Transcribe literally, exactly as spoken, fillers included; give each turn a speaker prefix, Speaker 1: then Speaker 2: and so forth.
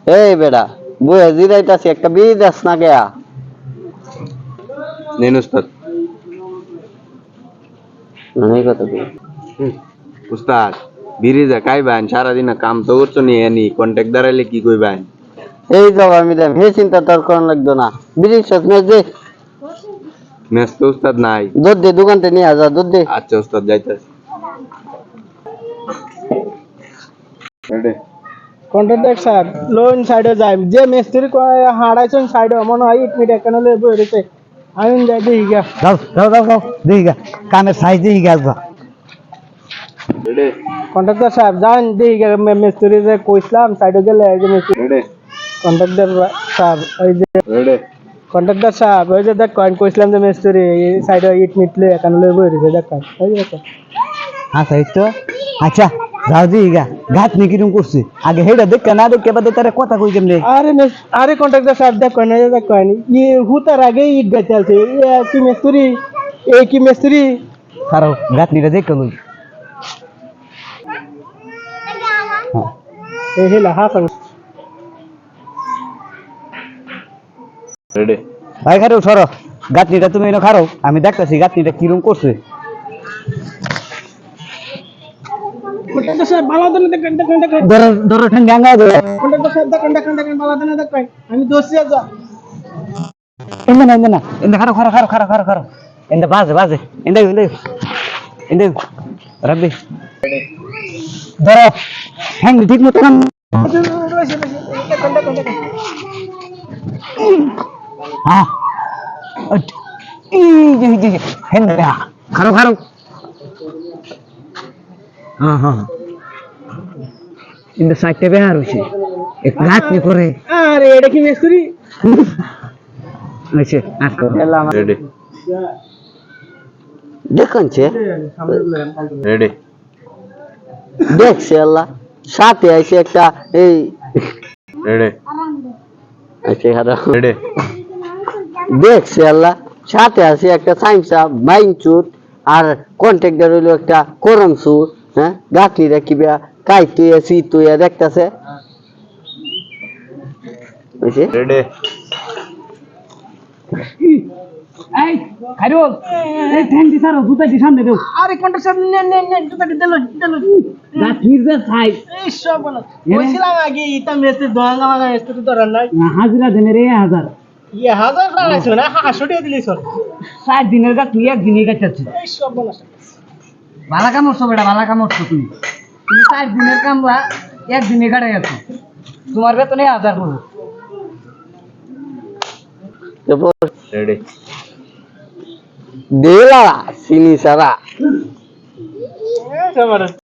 Speaker 1: এই বেটা বইয়া জিরাইতাছি একটা বিড়ি দাস না গেয়া
Speaker 2: নেন উস্তাদ।
Speaker 1: নাই কত কি
Speaker 2: উস্তাদ বিড়ি যা খাইবেন সারাদিন কাম তো করছো নি এনি কন্ট্যাক্ট দাঁড়াইলে কি কইবেন?
Speaker 1: এই তো আমি দেম হে চিন্তা তোর কোন লাগতো না বিড়ি সব মেজ দে
Speaker 2: মেস তো উস্তাদ নাই।
Speaker 1: দুধ দে দোকানতে নিয়ে যা দুধ দে
Speaker 2: আচ্ছা উস্তাদ যাইতাছি। রেডি
Speaker 3: কন্ট্রাক্টর সাহেব লোন সাইডে যাই যে মিস্ত্রি হারাইছেন সাইডে মনে হয় ইট মিট এখানে লয়ে বই রয়েছে আমি যাই দেখি গা
Speaker 4: যাও যাও যাও যাও দেখি গা কানের সাইজ দেখি গা আসবা
Speaker 2: রেডি
Speaker 3: কন্ট্রাক্টর সাহেব যান দেখি গা মিস্ত্রি যে কইছিলাম সাইডে গেলে এই যে মিস্ত্রি
Speaker 2: রেডি
Speaker 3: কন্ট্রাক্টর সাহেব ওই যে
Speaker 2: রেডি
Speaker 3: কন্ট্রাক্টর সাহেব ওই যে দেখ কয়েন কইছিলাম যে মিস্ত্রি সাইডে ইট মিট লয়ে এখানে লয়ে বই রয়েছে দেখ ওই যে দেখ
Speaker 4: হ্যাঁ সাইজ তো আচ্ছা যাও দেখি গা গাছ নি কিরম করছে আগে হেডা দেখে না দেখে বাদে তারা কথা কই কেমনে
Speaker 3: আরে মিস- আরে কন্ট্রাক্টর সাহেব দেখ কয়েন এই যে দেখ কয়েন ই হুতার আগে ইট গাইতে আছে এ কি মিস্ত্রি এই কি মিস্ত্রি
Speaker 4: কারো গাছ নিটা দেখে লই
Speaker 3: এই হেলা হাসান
Speaker 2: রেডি
Speaker 4: ভাই খারো সরো গাছ নিটা তুমি এনে খারো আমি দেখতাছি গাছ নিটা কিরম করছে
Speaker 3: কন্ট্রাক্টর সাহেব ভালো দেন দেখেন দেখেন দেখেন
Speaker 4: ধরো ধরো ঠ্যাঙ্গা আঙ্গা ধরো
Speaker 3: কন্ট্রাক্টর সাহেব দেখেন দেখেন দেখেন ভালো দেন দেখেন আমি দোষী যা
Speaker 4: এন্দে না এন্দে না এন্দে খারো খারো খারো খারো খারো খারো এন্দে বাজে বাজে এন্দে এন্দে এন্দে রাব্বি ধরো ঠ্যাং ঠিক মতো কাম
Speaker 3: দেখেন দেখেন দেখেন
Speaker 4: হ্যাঁ ই জি জি হেন্দে খারো খারো হ্যাঁ হ্যাঁ ইন্দে সাইডে বেহার হইছে এক রাত নি করে
Speaker 3: আরে এটা কি মিস্ত্রি
Speaker 4: হইছে আস্তে
Speaker 2: রেডি
Speaker 1: দেখনছে
Speaker 2: রেডি
Speaker 1: দেখছে আল্লাহ সাথে আইছে একটা এই
Speaker 2: রেডি
Speaker 1: আইছে খারাপ
Speaker 2: রেডি
Speaker 1: দেখছে আল্লাহ সাথে আছে একটা সাইমসা মাইনচুট আর কন্ট্রাক্টর হইলো একটা করমসু হ্যাঁ গাঠি রাখিবা কাইতে আসি তুই দেখতাছে বুঝছি
Speaker 2: রেডি
Speaker 4: এই খাইরুল এই ঠ্যাং দি সারো জুতা দি সামনে দেও
Speaker 3: আরে কন্ট্রাক্টর সাহেব নেন নেন নেন জুতা দিতে লই দিতে লই
Speaker 4: রাত নির্দে সাই
Speaker 3: এই সব বলা কইছিলাম আগে ইটা মিস্ত্রি দোয়াঙ্গা মাগা মিস্ত্রি ধরার নাই
Speaker 4: হাজিরা দেনে রে হাজার
Speaker 3: ইয়ে হাজার লাগাইছো না হাসো দিয়ে দিলি সর
Speaker 4: সাত দিনের গা তুই এক দিনে গাছাচ্ছি
Speaker 3: এই সব বলা
Speaker 4: ভালা কাম করছো বেটা ভালা কাম করছো তুমি তুমি সাত দিনের কামলা এক দিনে গাড়াই আছো তোমার বেতনে হাজার পড়ো
Speaker 2: রেডি
Speaker 1: দেলা সিনি সারা
Speaker 3: এই সব